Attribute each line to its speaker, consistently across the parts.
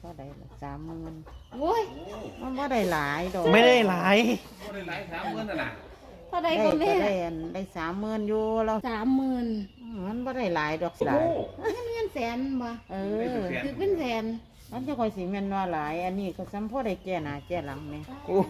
Speaker 1: ท่าใดละ30,000
Speaker 2: โอ้ย
Speaker 1: มันบ่ได้หลายดอก
Speaker 3: ไม่ได้หลาย
Speaker 4: บ่ได้หลาย30,000นั่นน่ะ
Speaker 2: เท่าใด
Speaker 1: ได้
Speaker 2: ก็
Speaker 1: ก็
Speaker 2: แม่
Speaker 1: ได้30,000อยู่แล้ว
Speaker 2: 30,000
Speaker 1: มันบ่ได้หลายดอก
Speaker 4: โอ้
Speaker 1: หลา
Speaker 4: โห
Speaker 1: ย
Speaker 2: เงินแสนบ่
Speaker 1: เออ
Speaker 2: คือเป็นแสน
Speaker 1: มันจะค่อยสิแม่นว่าหลายอันนี้ก็ซ้ำพอได้แก้หน้าแก้หลังแม่
Speaker 3: โอ้โห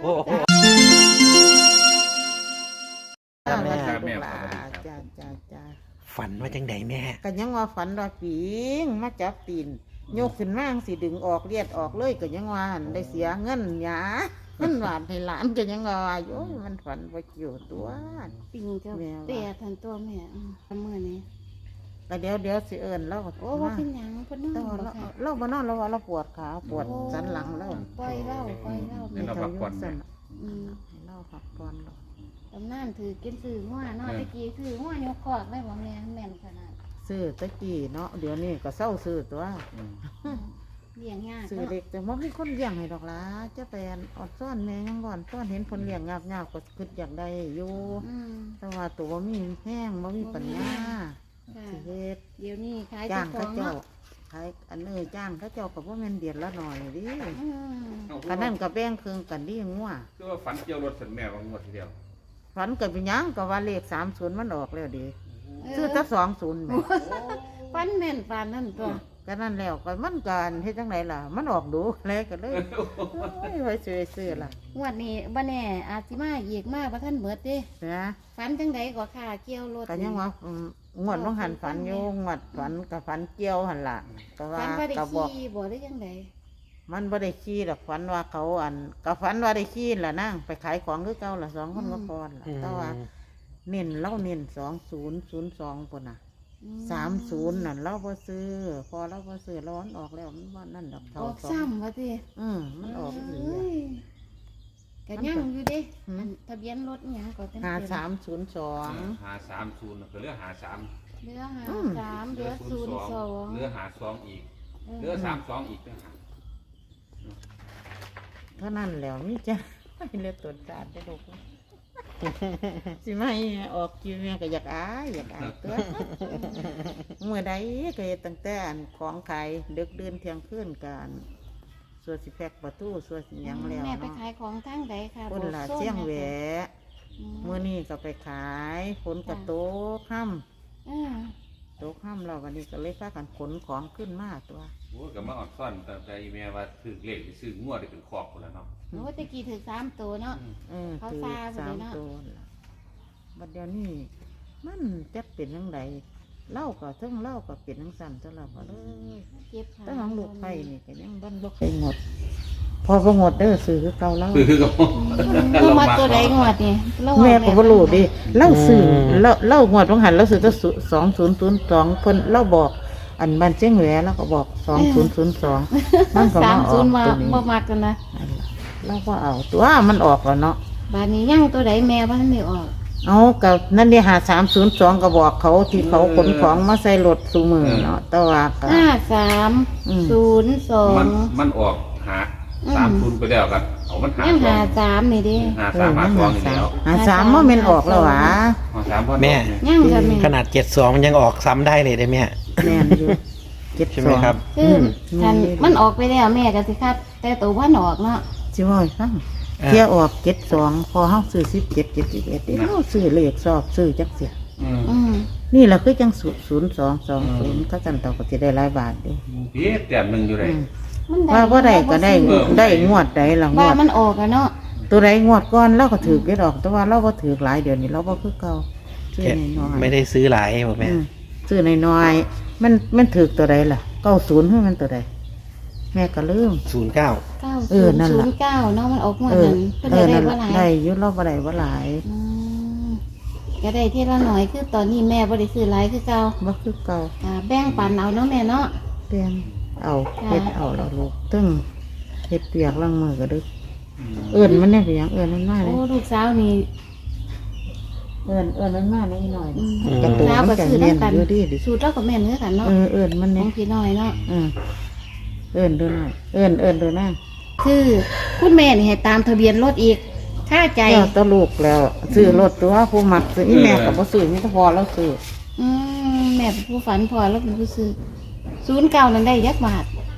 Speaker 1: จ้า
Speaker 3: แม่
Speaker 1: จ้า
Speaker 3: ฝันว่าจังไดแม่
Speaker 1: ก็ยังว่าฝันว่าปิงมาจับตีนโยกขึ้นมาสิดึงออกเลียดออกเลยก็ยังว่าหั่นได้เสียเงินหยามันหวานให้หลานก็ยังว่าโอ้ยมันฝันบ่เกี่ยวตัว
Speaker 2: ปิงเจ้า
Speaker 1: แม่ว่า
Speaker 2: เปียทันตัวแม่มื้อนี้
Speaker 1: ก็เดี๋ยวสิเอิ้นเรา
Speaker 2: โอ้บ่เป็นหยังเพิ่นนอ
Speaker 1: แต่
Speaker 2: น
Speaker 1: ว่า
Speaker 2: บ่ค่ะ
Speaker 1: เราบ่นอนเราว่าเราปวดขาปวดสันหลังแล้ว
Speaker 2: ปล่อยเล่า
Speaker 4: นี่เราพักผ่อน
Speaker 1: สั่น
Speaker 2: อืม
Speaker 1: ให้เราพักผ่อนเรา
Speaker 2: ตำนานถือกินซื้อหัวเนาะตะกี้ซื้อหัวยกคอกได้บ่แม่แม่นขนาด
Speaker 1: ซื้อตะกี้เนาะเดี๋ยวนี้ก็เศร้าซื้อตัว
Speaker 2: เลี้ยงยาก
Speaker 1: ซื้อ
Speaker 2: เนาะ
Speaker 1: เด็กแต่ว่ามีคนเลี้ยงให้ดอกล่ะจะไปอดซ่อนแม่ยังก่อนซ่อนเห็นคนเลี้ยงงาบๆก็คิดอยากได้อยู่
Speaker 2: อืม
Speaker 1: แต่ว่าตัวบ่มีแห้งบ่มีปัญญา
Speaker 2: ค่ะ
Speaker 1: สิเฮ็ด
Speaker 2: เดี๋ยวนี้ขาย
Speaker 1: จ้า
Speaker 2: เจ้าง ขอ
Speaker 1: เขา
Speaker 2: ง
Speaker 1: เจ้า
Speaker 2: เนาะ
Speaker 1: ขายอันจ้างเขาเจ้าก็บ่แม่นเดือนละหน่อยดิ
Speaker 2: อืม
Speaker 1: กันนั่นก็แบ่งครึ่งกันดิงัว
Speaker 4: คือว่าฝันเกี่ยวรถสันแม่ว่างวดทีเดียว
Speaker 1: ฝันก็เป็นหยังก็ว่าเลข30มันออกแล้วดิซื้อแต่20แม่
Speaker 2: ฟันแม่นปานนั่นตัว
Speaker 1: ก็นั่นแล้วก็มันกันเฮ็ดจังไดล่ะ มันออกดูเลยก็เลยโอ้ยไว้ซื้อล่ะ
Speaker 2: งวดนี้บ่แน่อาจสิมาอีกมาบ่ทันเบิดเด้
Speaker 1: นะ
Speaker 2: ฟันจังไดก็ค่าเกี่ยวรถ
Speaker 1: ก็ยังว่างวดบ่หันฝันอยู่งวดฝันก็ฝันเกี่ยวหั่นล่ะก็ว่า
Speaker 2: ฟันบ่ได้
Speaker 1: ก็บอก
Speaker 2: ขี่บ่ได้จังได
Speaker 1: มันบ่ได้ขี้ดอกฝันว่าเขาก็ฝันว่าได้ขี้ล่ะนางไปขายของคือเก่าล่ะ2คนก็พอล่ะแต่ว่าเน้นเราเน้น2002พุ่นน่ะ30นั่นเราบ่ซื้อพอเราบ่ซื้อร้อนออกแล้วมันว่านั่นดอก
Speaker 2: อ
Speaker 1: เท่า
Speaker 2: อก
Speaker 1: สอง
Speaker 2: ซ้ำว่าติ
Speaker 1: มันออกอีหลี
Speaker 2: เอ้ยก็ยังอยู่เด้
Speaker 1: อืม
Speaker 2: อันทะเบียนรถอิหยังก็เต็ม
Speaker 1: 5302
Speaker 4: หา30ก็เหลือหา3
Speaker 2: เหลือ53เหลือ
Speaker 4: เหลือหา2อีกเหลือ32อีกต่างหาก
Speaker 1: เท่านั้นแล้วมีจ้ะเลือดตนสารได้ลูก สิไม่ออกคิวแม่ก็อยากอายตัวเมื่อใดก็เฮ็ดตั้งแต่อันของขายดึกเดินเที่ยงคืนกันส่วนสิแพกประตูส่วนสิหยังแล้ว
Speaker 2: แม่ไป
Speaker 1: เนาะ
Speaker 2: ขายของทางใดค่ะ
Speaker 1: คนละ
Speaker 2: บอกโซน
Speaker 1: เสียง
Speaker 2: หน่อ
Speaker 1: แหว
Speaker 2: ค่ะ
Speaker 1: เมื่อนี้ก็ไปขายฝนกระโตกค่
Speaker 2: เออ
Speaker 1: ำโตกค่ำเราวันนี้ก็เลยพากันขนของขึ้นมาตัว
Speaker 4: โอ้ก็มาออดซ่อนตั้งแต่อีแม่ว่าถือเลขซื้องวดได้เป็นครอบพุ่นแล้วเนาะ
Speaker 2: โอ้ตะกี้ถือ3ตัวเนาะ เขา
Speaker 1: คือ
Speaker 2: ซาไป
Speaker 1: สา
Speaker 2: เลย
Speaker 1: ม
Speaker 2: เนาะ
Speaker 1: ตัวล่ะบัดเดี๋ยวนี้มันจะเป็นยังไงเล่าก็ทั้งเล่าก็เป็นทั้งสั่นตลอดเลย
Speaker 2: เจ็บขา
Speaker 1: ตั้งของลูกไผ่นี่ก็ยังบ้านบ่เคยหมด พอบ่หมดเด้อซื้อคือเก่าแล้ว
Speaker 4: คือก็
Speaker 2: ลงมาตัวใดงวดนี่เรา
Speaker 1: แม่ก็บ่รู้ดิเล่าซื้อเล่างวดของหันเราซื้อตั้ง2002เพิ่นเล่าบอก อันบ้านเชียงแหวแล้วก็บอก2002มันก็มาออก
Speaker 2: 30มา
Speaker 1: ตัวนี้
Speaker 2: บ่มักกันนะ
Speaker 1: เราก็เอาตัวมันออกแล้วเนาะ
Speaker 2: บาดนี้ยังตัวใดแม่บ่ทันได้ออก
Speaker 1: เอากับนั่นเดีหา302ก็บอกเขาที่เขาขนของมาใส่รถซูมือเนาะแต่ว่าก็
Speaker 4: มันออกหา30ไปแล้วกันเอามันหา
Speaker 2: ยัง
Speaker 4: 2
Speaker 2: 53นี่ดิ
Speaker 4: หา3หา2อีกแล้ว
Speaker 1: หา3บ่แม่นออกแล้วหวะ
Speaker 4: หา3พอ
Speaker 3: แม่
Speaker 2: ยังค่ะแม่
Speaker 3: ขนาด72มันยังออกซ้ำได้เลยได้แม่
Speaker 1: แม่นอยู่72
Speaker 3: ใช่ไหมครับ
Speaker 2: คือคันมันออกไปแล้วแม่ก็สิคัดแต่ตัวบ่ออกเนาะ
Speaker 1: สิว่าให้ฟังเที่ยออก72พอเฮาซื้อ17 71นี่เฮาซื้อเลขสอบซื้อจักเสีย
Speaker 2: อืม
Speaker 1: นี่ล่ะคือจัง0220เขาจันเตาก็สิได้หลายบาทเด้
Speaker 4: พี่แต้มหนึงอยู่เลย
Speaker 2: มันได้
Speaker 1: ว่าบ่ได้ก็ได้งวดใดล่ะง
Speaker 2: ว่าว
Speaker 1: ด
Speaker 2: มันออกอะเนาะ
Speaker 1: ตัวใดงวดก่อนเราก็ถือเก็ดออกแต่ว่าเราบ่ถือหลายเดี๋ยวนี้เราบ่คือเก่าซื้อน้อยๆ
Speaker 3: ไม่ได้ซื้อหลายบอกแม่
Speaker 1: ซื้อน้อยๆมันถือตัวใดล่ะ90ให้มันตัวใดแม่ก็ลืม
Speaker 3: 09
Speaker 1: นั่นล่ะ
Speaker 2: 9009เนาะมันออกมา
Speaker 1: เออ
Speaker 2: นั้นเพิ่นได้
Speaker 1: นั่น
Speaker 2: บ่
Speaker 1: ล่ะ
Speaker 2: หลาย
Speaker 1: ได้อยุเราบ่ได้บ่หลาย
Speaker 2: อืมก็ได้ทีละหน่อยคือตอนนี้แม่บ่ได้ซื้อหลายคือเก่า
Speaker 1: บ่คือเก่า
Speaker 2: แบ่งปันเอาเนาะแม่เนาะ
Speaker 1: เปลี่ยนเอา
Speaker 2: ค่ะ
Speaker 1: เฮ็ดเอาแล้วลูกตึ้งเฮ็ดเปียกล้างมือก็ดึกเอิ้นมันเนี่ยเป็นหยังเอิ้นมันมาเล
Speaker 2: โอ้
Speaker 1: ย
Speaker 2: ลูกสาวนี่
Speaker 1: เอิ้นมันมาเลยหน่อย
Speaker 2: อืม
Speaker 1: กระตู
Speaker 2: สาว
Speaker 1: มั
Speaker 2: ก็
Speaker 1: นจะ
Speaker 2: ซื้อ
Speaker 1: เนียน
Speaker 2: นำกัน
Speaker 1: อยู่ดีดิ
Speaker 2: สูตรเราก็แม่นคือกันเนาะ
Speaker 1: เอิ้นมัน
Speaker 2: ข
Speaker 1: เนี่
Speaker 2: อย งพี่น้อยเนาะ
Speaker 1: เอิ้นดูหน่อยเอิ้นดูหน้า
Speaker 2: คือคุณแม่นี่ให้ตามทะเบียนรถอีกค่าใจ
Speaker 1: เจ้าตะลูกแล้วซื้อรถตัวผู้มักซื้ออีแม่ก็บ่ซื้อมีแต่พอแล้วซื้อ
Speaker 2: แม่เป็นผู้ฝันพอแล้วเป็นผู้ซื้อ09นั้นได้ยักบาท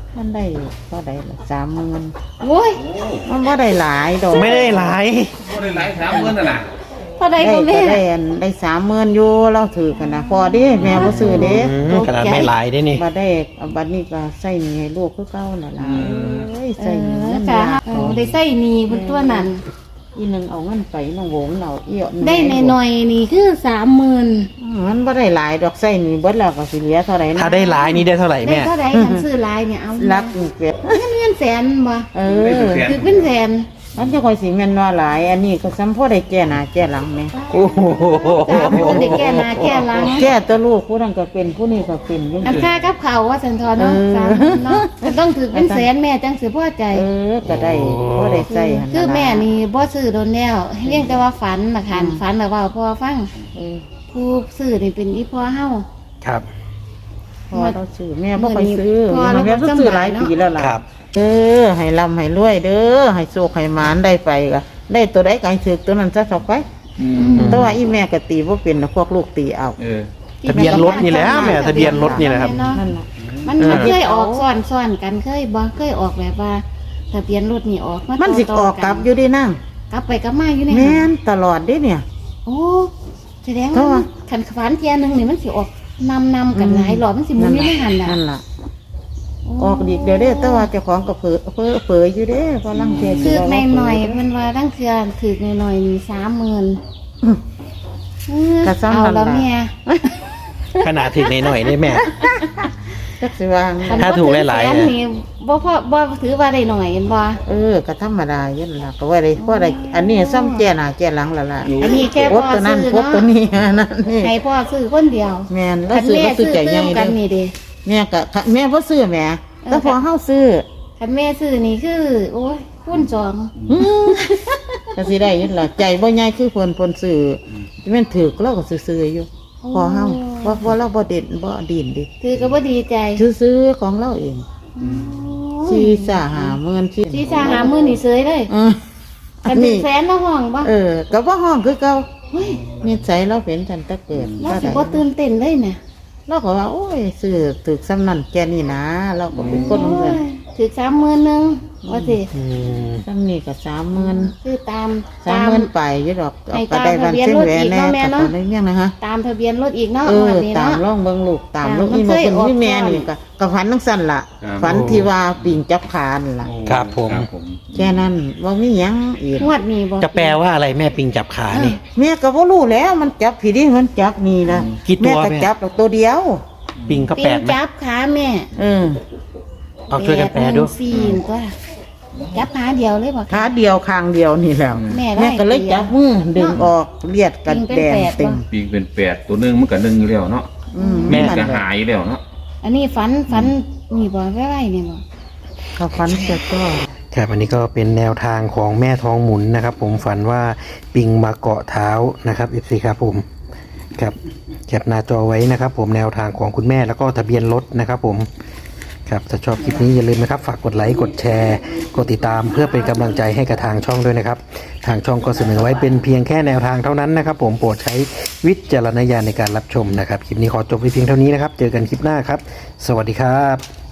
Speaker 1: มันได้เท่าใดล่ะ30,000
Speaker 2: โอ้ย
Speaker 1: มันบ่ได้หลายดอก
Speaker 3: ไม่ได้หลาย
Speaker 4: บ่ได้หลาย30,000น่ะนะ
Speaker 2: เท่าใด
Speaker 1: ได้
Speaker 2: บ่
Speaker 1: ก็
Speaker 2: แม่
Speaker 1: ได้30,000อยู่เราถือกันนะพอเด้แม่บ่ซื้อเด้
Speaker 3: ขนาดไม่หลายได้นี่
Speaker 1: บัดได้บัดนี้ก็ใส่หนี้ให้ลูกคือเก่านั่นล่ะเอ้ยใส่หนี้เงิน
Speaker 2: ค่ะ
Speaker 1: ยาก
Speaker 2: ได้ใส่หนีบนตัวนั้น
Speaker 1: อีหนึงเอาเงินไปน้องโหงเอาเอี้ย
Speaker 2: ได้หน่อยๆนี่คือ 30,000
Speaker 1: มันบ่ได้หลายดอกใส่หนี้เบิดแล้วก็สิเหลือเท่าไหร่นะ
Speaker 3: ถ้าได้หลายนี่ได้เท่าไหร่
Speaker 2: ได้
Speaker 3: แม่
Speaker 2: เท่าใดคันซื้อหลายเนี่ยเอา
Speaker 1: รักอีกเว็บ
Speaker 2: เงินแสนบ่
Speaker 1: เอ
Speaker 4: ได้
Speaker 1: อ
Speaker 4: เป็นแสน
Speaker 2: คือเป็นแสน
Speaker 1: มันจะค่อยสิแม่นว่าหลาย อันนี้ก็ซ้ำพอได้แก้หน้าแก้หลังแม่
Speaker 3: โอ้โห
Speaker 2: 30,000ได้แก้หน้าแก้หลัง
Speaker 1: แก้ตัวลูกผู้นั้นก็เป็นผู้นี้ก็เป็นจัง
Speaker 2: อัน
Speaker 1: ซี่
Speaker 2: ค่ากับเขาวว่าสันทอเนาะ
Speaker 1: เออ
Speaker 2: 30,000เนาะก็ต้องถือเป็นแสนแม่จังสิพอใจ
Speaker 1: ก็ได้พอได้ใส่หั่น
Speaker 2: คือ
Speaker 1: ล่ะ
Speaker 2: แม่นี่บ่ซื้อโดนแล้วเรียกแต่ว่าฝันน่ะค่ะฝันแล้วเว้าพ่อฟัง
Speaker 1: เออ
Speaker 2: ผู้ซื้อนี่เป็นอีพ่อเฮา
Speaker 3: ครับ
Speaker 1: พอเราซื้อแม่บ่ค่อยซื้อ
Speaker 2: พอเรา
Speaker 1: แม่
Speaker 2: ก็
Speaker 1: ก็ซื้อหลาย
Speaker 2: จำได้เนาะ
Speaker 1: ปีแล้วล่ะ
Speaker 3: ครับ
Speaker 1: ให้ร่ำให้รวยเด้อให้โชคให้หมานได้ไปก็ได้ตัวใดก็ให้ถือตัวนั้นซะต่อไป แต่ว่าอีแม่ก็ตีบ่เป็นนะพวกลูกตีเอา
Speaker 3: ทะเบียนรถนี่แหละแม่ทะเบียนรถนี่แหละครับ
Speaker 1: นั่นล่ะ
Speaker 2: มันเคยออกซ้อนกันเคยบ่เคยออกแบบว่าทะเบียนรถนี่ออกมา
Speaker 1: มันสิ
Speaker 2: ต่
Speaker 1: ออกกลับอยู่ดีนั่ง
Speaker 2: กลับไปกลับมาอยู่ใน
Speaker 1: แม่
Speaker 2: หัน
Speaker 1: นตลอดเด้เนี่ย
Speaker 2: โอ้แสดง
Speaker 1: เพราะ
Speaker 2: ว่า
Speaker 1: ว่า
Speaker 2: คันฝันเทียนึงนี่มันสิออกนำกันหลายรอบมันสิหมุนอยู่ในหันน่ะ
Speaker 1: นั่นล่ะ ออกดีกเดี๋ยวเด้อแต่ว่าเจ้าของก็เผลออยู่เด้พอลังเทศ
Speaker 2: คือในหน่อยๆมันว่าตั้งเทือถือในหน่อยๆมี30,000
Speaker 1: กระซ้ำ
Speaker 2: เอา
Speaker 1: นั่น
Speaker 2: แล้ว
Speaker 1: ล่ะ
Speaker 2: แม่
Speaker 3: ขนาดถึงหน่อยๆได้แม่
Speaker 1: จักสิวาง
Speaker 3: ถ้าถูกหลายๆ
Speaker 2: แสนนี่บ่พอบ่ถือว่าได้หน่อยเห็นบ่
Speaker 1: ก็ธรรมดาอยู่นั่นล่ะก็ว่าได้พอได้อันนี้ซ้ำแก่หน้าแก่หลังและล่ะ
Speaker 2: อันนี้แค่
Speaker 1: พ
Speaker 2: พ่
Speaker 1: บ
Speaker 2: อ
Speaker 1: ตัวนั้น
Speaker 2: ซื้อ
Speaker 1: พบตัว
Speaker 2: เนาะ
Speaker 1: นี้นั่นนี่
Speaker 2: ให้พ่อซื้อคนเดียว
Speaker 1: แม่นแล้ว
Speaker 2: คัน
Speaker 1: ซื้อ
Speaker 2: แม่
Speaker 1: ก็ซื้อ
Speaker 2: ซื้อ
Speaker 1: ใจให
Speaker 2: ตื้
Speaker 1: ญ่
Speaker 2: ม
Speaker 1: เด้
Speaker 2: กัน
Speaker 1: อ
Speaker 2: นี่เด้
Speaker 1: แม่ก็แม่บ่ซื้อแหม่แต่พอเฮาซื้อ
Speaker 2: คันแม่ซื้อนี่คือโอ้ยคูณสอง
Speaker 1: ก็สิได้อยินล่ะใจบ่ใหญ่คือเพิ่นซื้อแม่นถูกเราก็ซื้อๆอยู่พอเฮาบ่เราบ่เด่นบ่ดินดิ
Speaker 2: ถือก็บ่ดีใจ
Speaker 1: ซื้อๆของเราเองชีสาหาเมือนชี
Speaker 2: สิจะหามื้อนี่เสยเลย
Speaker 1: อั
Speaker 2: คั
Speaker 1: น
Speaker 2: นถึ
Speaker 1: นี้
Speaker 2: งแสนละห้องบ่
Speaker 1: ก็บ่ห้องคือเก่า
Speaker 2: เฮ้ย
Speaker 1: นิสัยเราเป็นทันแตะเกิด
Speaker 2: เราสิบ่ตื่นเต้นเลยเนี่ย
Speaker 1: เราก็ว่าโอ้ยซื้อถูกซ้ำนั่นแค่นี้นะเราก็เป็นคนเหมือนกัน
Speaker 2: ถือ30,000นึงว่าสิ
Speaker 3: อืม
Speaker 1: ซ้ำนี่ก็30,000
Speaker 2: คือตาม
Speaker 1: 30,000ไปอยู่ดอก
Speaker 2: ให้
Speaker 1: ก็ได้วันเส้นแหวนแน่
Speaker 2: ตามทะเบียนรถอีกเนาะแม่
Speaker 1: ก็
Speaker 2: เนาะ
Speaker 1: ได้เงี้ยนะฮะ
Speaker 2: ตามทะเบียนรถอีกเนาะ
Speaker 1: ตาม
Speaker 2: นี้เนาะ
Speaker 1: ล่องเบิ่งลูกตามลูก
Speaker 2: มัน
Speaker 1: นี่
Speaker 2: เค
Speaker 1: มาย เป็น
Speaker 2: ออก
Speaker 1: ที่แม่
Speaker 2: ก่อน
Speaker 1: นี่ก็ฝันทั้งสั้นล่ะ
Speaker 4: ครับ
Speaker 1: ฝันที่ว่าปิ่งจับขานั่นล่ะ
Speaker 3: ครับผม
Speaker 1: แค่นั้นว่ามีหยังอีก
Speaker 2: งวดนี้บ่
Speaker 3: จะแปลว่าอะไรแม่ปิงจับขานี่
Speaker 1: แม่ก็บ่รู้แล้วมันจับผีดิมันจับนี่นะ
Speaker 3: กี่ตัว
Speaker 1: แม่ก็
Speaker 3: แม่
Speaker 1: จับตัวเดียว
Speaker 3: ปิงก็
Speaker 2: ปิ
Speaker 3: แป
Speaker 2: ง
Speaker 3: ดไหม
Speaker 2: จับขาแม่
Speaker 3: เอาช่วยกันแปลดู
Speaker 2: 814ก็จับขาเดียวเลยบ่
Speaker 1: ขาเดียวคางเดียวนี่แหล้ว
Speaker 2: แม่ได้
Speaker 1: แม่ก็เลยจับมือดึงออกเลียดกัน
Speaker 2: ปิงเป็น
Speaker 1: แดง
Speaker 2: แปด
Speaker 1: เต็ม
Speaker 2: บ่
Speaker 4: ปีกเป็น8ตัวหนึงมันก็1อยู่แล้วเนาะ
Speaker 3: แม่
Speaker 4: มันก็หายแล้วเนาะ
Speaker 2: อันนี้ฝันนี่บ่ไว้ๆนี่บ่
Speaker 1: เขาฟันเสร็จก็
Speaker 3: ครับอันนี้ก็เป็นแนวทางของแม่ทองหมุนนะครับ ผมฝันว่าปิงมาเกาะเท้านะครับ FC ครับผมครับแคปหน้าจอไว้นะครับ ผมแนวทางของคุณแม่แล้วก็ทะเบียนรถนะครับผมครับถ้าชอบคลิปนี้อย่าลืมนะครับฝากกดไลค์กดแชร์กดติดตามเพื่อเป็นกำลังใจให้กับทางช่องด้วยนะครับทางช่องก็เสนอไว้เป็นเพียงแค่แนวทางเท่านั้นนะครับ ผมโปรดใช้วิจารณญาณในการรับชมนะครับคลิปนี้ขอจบไว้เพียงเท่านี้นะครับเจอกันคลิปหน้าครับ สวัสดีครับ